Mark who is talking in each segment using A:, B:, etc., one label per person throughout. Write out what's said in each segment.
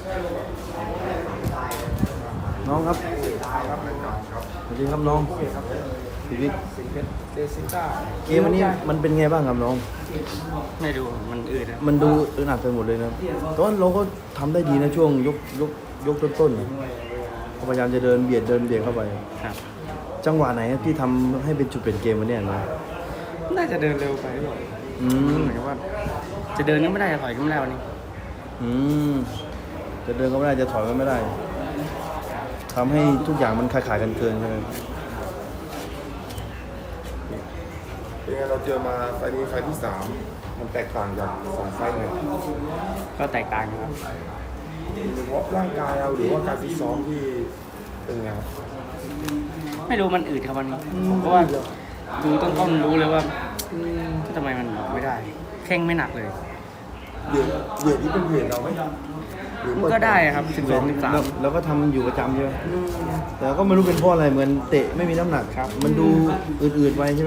A: น้องครับสวัสดีครับน้องชีวิต
B: เดซิต้า
A: เกมวันนี้มันเป็นไงบ้างครับน้อง
B: ไม่ดูมันอืดนะ
A: มันดูอึดอัดไปหมดเลยนะตอนเราก็ทำได้ดีนะช่วงยกต้นๆนะพยายามจะเดินเบียดเข้าไป
B: ครับ
A: จังหวะไหนที่ทำให้เป็นจุดเปลี่ยนเกมวันนี้นะ
B: น่าจะเดินเร็วไปหรือเปล่าเหมือนกับว่าจะเดินก็ไม่ได้จะถอยก็ไม่ได้วันนี้
A: จะเดินก็ไม่ได้จะถอยก็ไม่ได้ทำให้ทุกอย่างมันขายกันเกินใช่ไหม
C: เป็นไงเราเจอมาไฟล์นี้ไฟล์ที่3มันแตกต่างจาก2ไฟล์ไง
B: ก็แตกต่างครับ
C: เพราะร่างกายเราหรือว่าการฟิตซ้อมที่เป็นไงครับ
B: ไม่รู้มันอืดครับวันนี้เพราะว่าดูต้นรู้เลยว่าทำไมมันไม่ได้แข้งไม่หนักเลย
C: เวทนี้เป็นเวทเราไหม
B: มันก็ได้ครับ12-13
A: แล้วก็ทำอยู่ประจำใช่ไหมแต่ก็ไม่รู้เป็นเพราะอะไรเหมือนเตะไม่มีน้ำหนักครับมันดูอืดๆไปใช่ไหม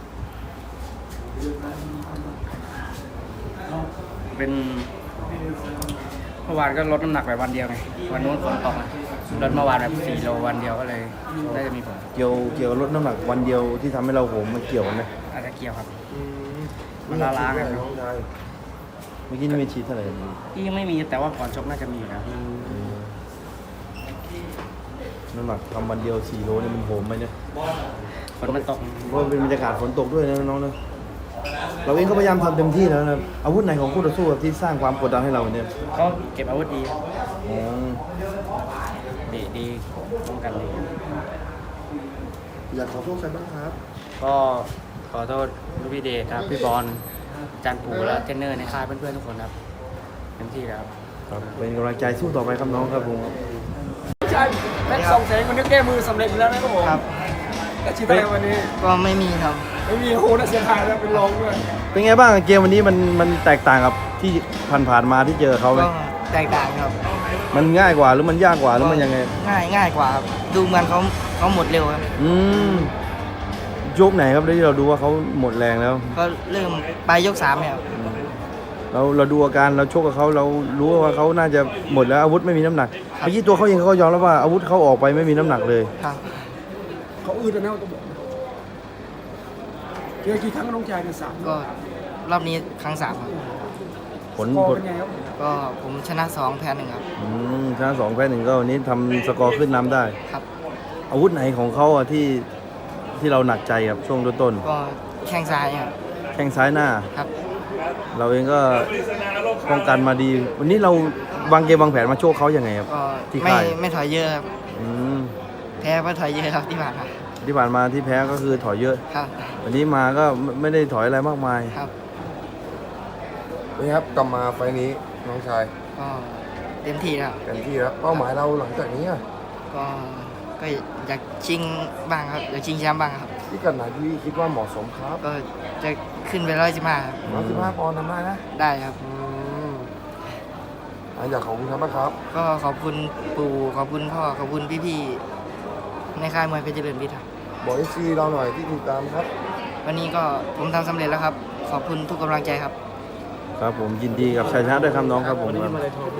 B: เป็นเมื่อวานก็ลดน้ำหนักไปวันเดียวไงวันนู้นฝนตกลดเมื่อวานแบบ4 โลวันเดียวก็เลยได้จะมีผล
A: เกี่ยวลดน้ำหนักวันเดียวที่ทำให้เราโหมมันเกี่ยวกันไหม
B: อาจจะเกี่ยวครับมันล้างกัน
A: เมื่อกี้นี่ไม่ฉีดเท่าไหร่
B: ที่ยังไม่มีแต่ว่าก่อนชกน่าจะมีอยู่นะ
A: น้ำหนักทำวันเดียว4 โลนี่มันโหมไหมเนี่ย
B: ฝนมันตก
A: เพราะเป็นบรรยากาศฝนตกด้วยนะน้องนะเราเองก็พยายามทำเต็มที่แล้วนะอาวุธไหนของคู่ต่อสู้ที่สร้างความกดดันให้เราเนี่ย
B: ก็เก็บอาวุธดีดีป้องกันดี
C: อยากขอโทษใครบ้างครับ
B: ก็ขอโทษลูกพี่เดชครับพี่บอลอาจารย์ปู่และเทรนเนอร์ในค่ายเพื่อนๆทุกคนครับเต็มที่แล้ว
A: ครับเป็นกำลังใจสู้ต่อไปครับน้องครับผม
B: ใช่แม็กซ์2 แสนคนนี้แก้มือสำเร็จแล้วนะครับผม
D: ครับ
B: แต่ชีวิตวันนี้
D: ก็ไม่มีครับ
B: ไม่มีโหน่าเสียดายแล้วเป็นรองด้วย
A: เป็นไงบ้างเกมวันนี้มันแตกต่างกับที่ผ่านมาที่เจอเขาไหม
D: แตกต่างครับ
A: มันง่ายกว่าหรือมันยากกว่าหรือมันยังไง
D: ง่ายกว่าครับดูเหมือนเขาหมดเร็วครับ
A: ยกไหนครับที่เราดูว่าเขาหมดแรงแล้ว
D: ก็เริ่มไปยก3เนี่ย
A: เราดูอาการเราชกกับเขาเรารู้ว่าเขาน่าจะหมดแล้วอาวุธไม่มีน้ำหนักเมื่อกี้ตัวเขาเองเขายอมแล้วว่าอาวุธเขาออกไปไม่มีน้ำหนักเลย
D: ครับ
B: เขาอืดแล้วนะต้องบอกเจอกี่ครั้งน้องชายเนี่ย3
D: ก็รอบนี้ครั้ง3ครับ
A: ผล
B: เป็นไงครับ
D: ก็ผมชนะ2แพ้1ครับ
A: ชนะ2แพ้1ก็วันนี้ทำสกอร์ขึ้นนำได้
D: ครับ
A: อาวุธไหนของเขาที่เราหนักใจครับช่วงต้น
D: ก็แข้งซ้ายครับ
A: แข้งซ้ายหน้า
D: ครับ
A: เราเองก็ป้องกันมาดีวันนี้เราวางเกมวางแผนมาโชคเขาอย่างไงครับ
D: ที่ไม่ถอยเยอะครับแพ้ก็ถอยเยอะครับที่ผ่าน
A: มาที่แพ้ก็คือถอยเยอะ
D: ครับ
A: วันนี้มาก็ไม่ได้ถอยอะไรมากมาย
D: ครับ
C: นี่ครับกลับมาไฟล์นี้น้องชาย
D: ก็เต็มที่แล้ว
C: เป้าหมายเราหลังจากนี้
D: ก็อยากชิงบ้างครับอยากชิงแชมป์บ้างครับ
C: ที่กันไหนที่คิดว่าเหมาะสมครับ
D: ก็จะขึ้นไป115ครับ
C: 115 ปอนด์ทำได้นะ
D: ได้ครับ
C: อยากขอบคุณครับครับ
D: ก็ขอบคุณปู่ขอบคุณพ่อขอบคุณพี่ๆในค่ายมวยเพชรเจริญวิทย์ครับ
C: บอกให้ซีเราหน่อยที่ติดตามครับ
D: วันนี้ก็ผมทำสำเร็จแล้วครับขอบคุณทุกกำลังใจครับ
A: ครับผมยินดีกับชัยชนะด้วยครับน้องครับผม